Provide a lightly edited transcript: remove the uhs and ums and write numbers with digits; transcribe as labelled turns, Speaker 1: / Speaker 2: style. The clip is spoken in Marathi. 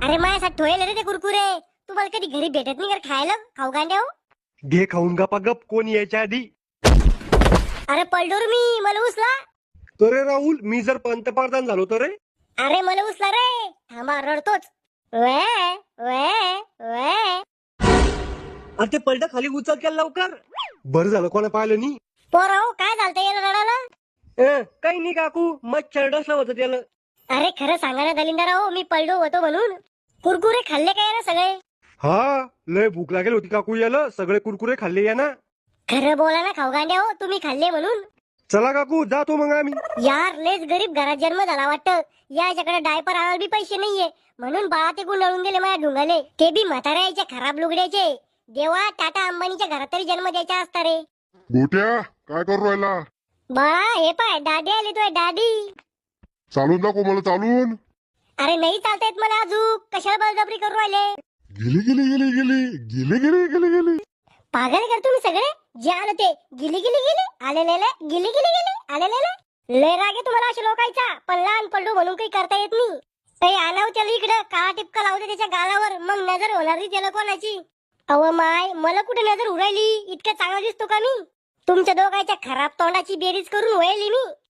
Speaker 1: अरे माझ्यासाठी ठोयले रे ते कुरकुरे. तुम्हाला कधी घरी भेटत नाही का खायला? खाऊ गांड्या हो.
Speaker 2: घे खाऊन गपा गप कोण यायच्या आधी.
Speaker 1: अरे पडलो रे मी, मला उचला.
Speaker 2: तर रे राहुल, मी जर पंतप्रधान झालो तर रे.
Speaker 1: अरे मला उचला रे. थांबा रडतोच. वे वे वे.
Speaker 2: अरे ते पलटा खाली उचल केला लवकर. बरं झालं कोणा पाहिलं नाही.
Speaker 1: पोरा हो, काय झालतं याला रडायला?
Speaker 2: काही नाही काकू, मच्छर डसलं होतं त्याला.
Speaker 1: अरे खरं सांगा ना दलिंदरा हो, मी पडलो होतो म्हणून. कुरकुरे खाल्ले काय ना सगळे?
Speaker 2: हा, लय भूक लागेल होती काकू, याला सगळे कुरकुरे खाल्ले या ना.
Speaker 1: खरं बोला ना खाऊ गांड्या हो, तुम्ही खाल्ले म्हणून.
Speaker 2: चला काकू जातो मग आम्ही.
Speaker 1: यार लेच गरीब घरात जन्म झाला वाटतं. याच्याकडे डायपर आणायला बी पैसे नाहीये, म्हणून बाळा ते गुंडाळून गेले माझ्या ढुंगाले, ते बी म्हाताऱ्याचे खराब लुगड्याचे. देवा, टाटा अंबानीच्या घरात तरी जन्म द्यायचा असता रे.
Speaker 3: गोट्या काय करू राहिला?
Speaker 1: बाळा हे पाय, दादी आली तोय दादी.
Speaker 3: चालून दाखव मला चालून.
Speaker 1: अरे नाही चालता येत मला अजून, कशाला बळजबरी करू राहिले?
Speaker 3: गेली गेली गेली गेली गेली गेली गेली गेली.
Speaker 1: पागल कर तुम्ही सगळे. जे आलं ते गिली गिली गिली आलेले गिली गिली गिली आलेले. लय राग आहे तुम्हाला अशा लोकांचा, पण लहान पडलो म्हणून काही करता येत नाही. काही आणाव त्याला इकडं, काळा टिपका लावते त्याच्या गालावर, मग नजर होणार नाही त्याला कोणाची. अव माय, मला कुठे नजर उरायली? इतकं चांगला दिसतो का मी? तुमच्या दोघांच्या खराब तोंडाची बेरीज करून वळली मी.